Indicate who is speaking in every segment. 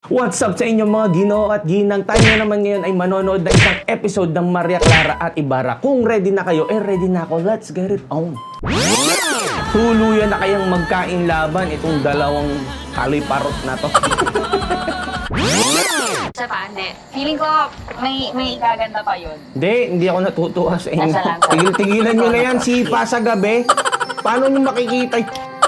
Speaker 1: What's up sa inyo mga Ginoo at Ginang? Tayo na naman ngayon ay manonood ng isang episode ng Maria Clara at Ibarra. Kung ready na kayo, ready na ako. Let's get it on. Tuluyan na kayang magkain laban itong dalawang haloy parot na to.
Speaker 2: Sa pande. Feeling ko may gaganda pa yun.
Speaker 1: Hindi ako natutuwa sa inyo.
Speaker 2: Nasa lang.
Speaker 1: Tigil-tigilan nyo na yan, sipa sa gabi. Paano nyo makikita?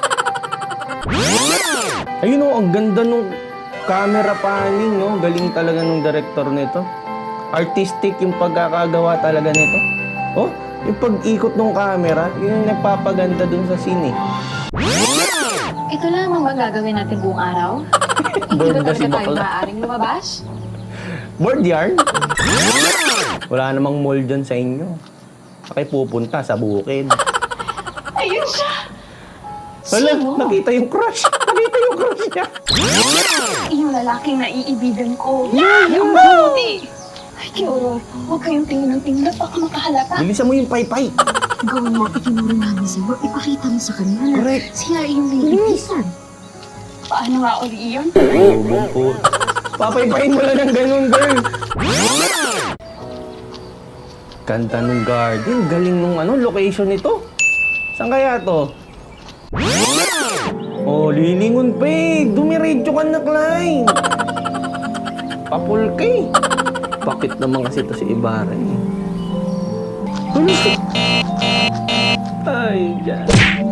Speaker 1: Ayun o, ang ganda nung camera panning, no? Galing talaga nung director nito. Artistic yung pagkakagawa talaga nito. Oh, yung pag-ikot ng camera, yun yung nagpapaganda dun sa scene.
Speaker 2: Ito lang ang gagawin natin buong araw? Hindi ba
Speaker 1: Bored na si
Speaker 2: talaga tayo
Speaker 1: bakla.
Speaker 2: maaaring lumabas?
Speaker 1: Board yarn? Wala namang mall dyan sa inyo. Saka pupunta sa bukid.
Speaker 2: Ayun siya!
Speaker 1: Wala,
Speaker 2: Sino?
Speaker 1: nakita yung crush. Nakita yung crush niya.
Speaker 2: Yung lalaking naiibigan ko. Yung mabuti! Ay, Kioro, huwag kayong tingin ng tingin. Baka makahalata.
Speaker 1: Bilisan mo yung paypay.
Speaker 3: Gawin mo, itinuro namin sa'yo. Ipakita mo sa kanila na
Speaker 1: Correct.
Speaker 3: sila yung naiibisan.
Speaker 2: Paano nga uli iyon?
Speaker 1: Oh, papaypayin mo lang ng ganun, girl. Ganda nung garden. Galing nung location nito. Saan kaya to? Oh, lilingon pa eh. Dumiretso ka na, Klein. Papul ka eh. Bakit naman kasi to si Ibarra eh. Ay, dyan.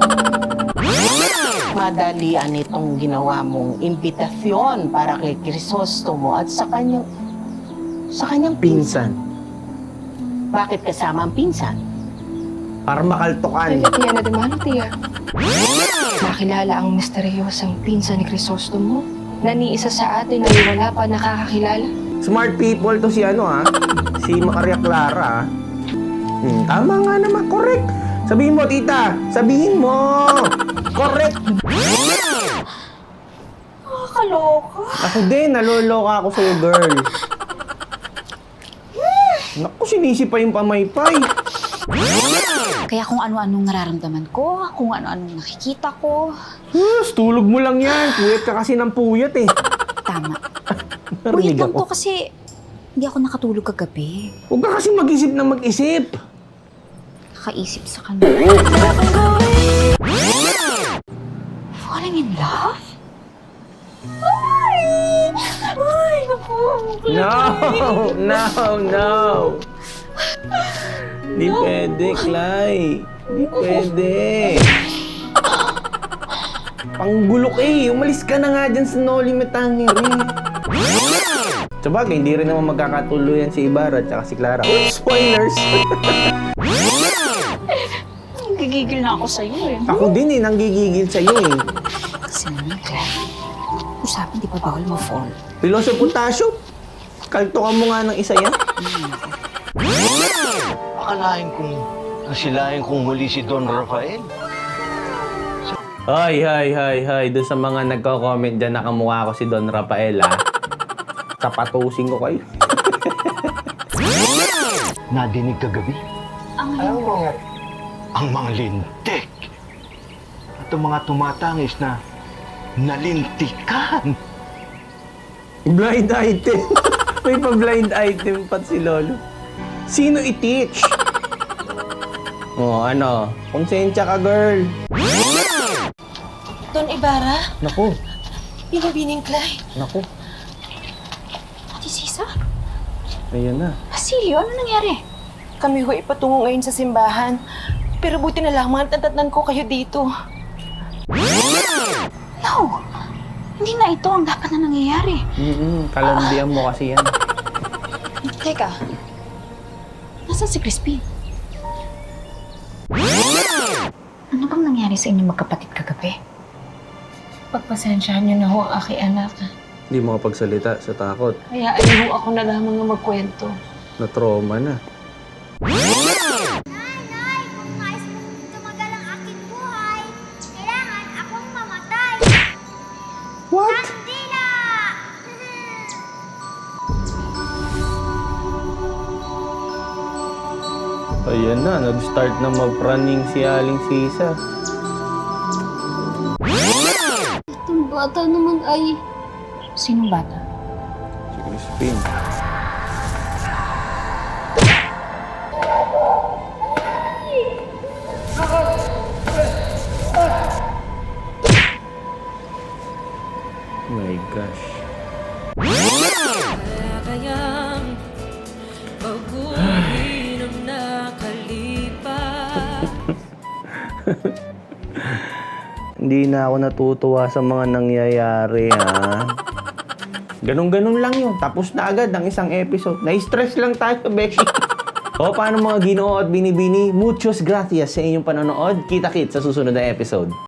Speaker 4: Madalian itong ginawa mong imbitasyon para kay Crisostomo at sa kanyang
Speaker 1: Pinsan.
Speaker 4: Bakit kasama ang pinsan?
Speaker 1: Para makaltukan.
Speaker 5: Tiya na demano, Tiya. Nakilala ang misteryosang pinsan ni Crisostomo na ni isa sa atin ay wala pa nakakakilala.
Speaker 1: Smart people to si si Maria Clara. Tama nga naman, correct. Sabihin mo, tita. Sabihin mo. Correct.
Speaker 2: Nakakaloka.
Speaker 1: Ako din, naloloka ako sa'yo, girl. Naku, sinisi pa yung pamaypay.
Speaker 6: Kaya kung ano-anong nararamdaman ko, kung ano-anong nakikita ko,
Speaker 1: Tulog mo lang yan. Puyat ka kasi ng puyat eh.
Speaker 6: tama.
Speaker 1: Narinig
Speaker 6: Puyat lang
Speaker 1: ako.
Speaker 6: to kasi hindi ako nakatulog kagabi.
Speaker 1: Huwag ka kasi mag-isip na mag-isip.
Speaker 6: Kakaisip sa kanya. Falling in love?
Speaker 2: Ay, naku.
Speaker 1: No. Di pwede, Clay. Di pwede. Panggulo ka eh. Umalis ka na nga dyan sa No Limit Tangery. Sabagay, hindi rin naman magkakatuluyan si Ibarra at si Clara. Spoilers!
Speaker 2: Gigigil na ako sa'yo eh.
Speaker 1: Ako din eh, nanggigigil sa'yo eh.
Speaker 6: Kasi naman, Claire. Usapan, di pa bawal ma-fall.
Speaker 1: Piloso Potasyo, kaltukan mo nga ng isa yan.
Speaker 7: Akalain kong nasilayan kong huli si Don Rafael.
Speaker 1: Hay. Doon sa mga nagko-comment dyan na kamukha ko si Don Rafael, ha? Tapatusin ko kayo.
Speaker 7: Nadinig kagabi? Ang mga lintik. At ang mga tumatangis na nalintikan.
Speaker 1: Blind item. May pa-blind item pa si Lolo. Sino i-teach? Oh, konsensya ka, girl.
Speaker 3: Don Ibarra,
Speaker 1: Naku.
Speaker 3: binibining Clay.
Speaker 1: Naku.
Speaker 6: Ate Sisa?
Speaker 1: Ayan na.
Speaker 6: Basilio, ano nangyari?
Speaker 3: Kami ho ipatungo ngayon sa simbahan. Pero buti na lamang natatnan ko kayo dito.
Speaker 6: No! Hindi na ito ang dapat na nangyayari.
Speaker 1: Kalandian mo kasi yan.
Speaker 6: Teka. Nasaan si Crispin? Ano bang nangyari sa inyong magkapatid kagabi?
Speaker 5: Pagpasensyahan niyo na ho ang aking anak.
Speaker 1: Hindi mo kapagsalita sa takot.
Speaker 5: Kaya ayaw ako na lamang na magkwento.
Speaker 1: Na-trauma na.
Speaker 8: Nay, kung nais mong tumagal ang aking buhay, kailangan akong mamatay.
Speaker 1: What?
Speaker 8: Kandila!
Speaker 1: Ayan na, nag-start na mag-praning si Aling Sisa.
Speaker 3: Itong bata naman ay
Speaker 6: Sinong bata?
Speaker 1: Crispin. Oh my gosh. Hindi na ako natutuwa sa mga nangyayari, ha? Ganun-ganun lang yun. Tapos na agad ang isang episode. Na-stress lang tayo, Beshi. O, paano mga Ginoo at Binibini? Muchos gracias sa inyong panonood. Kita-kit sa susunod na episode.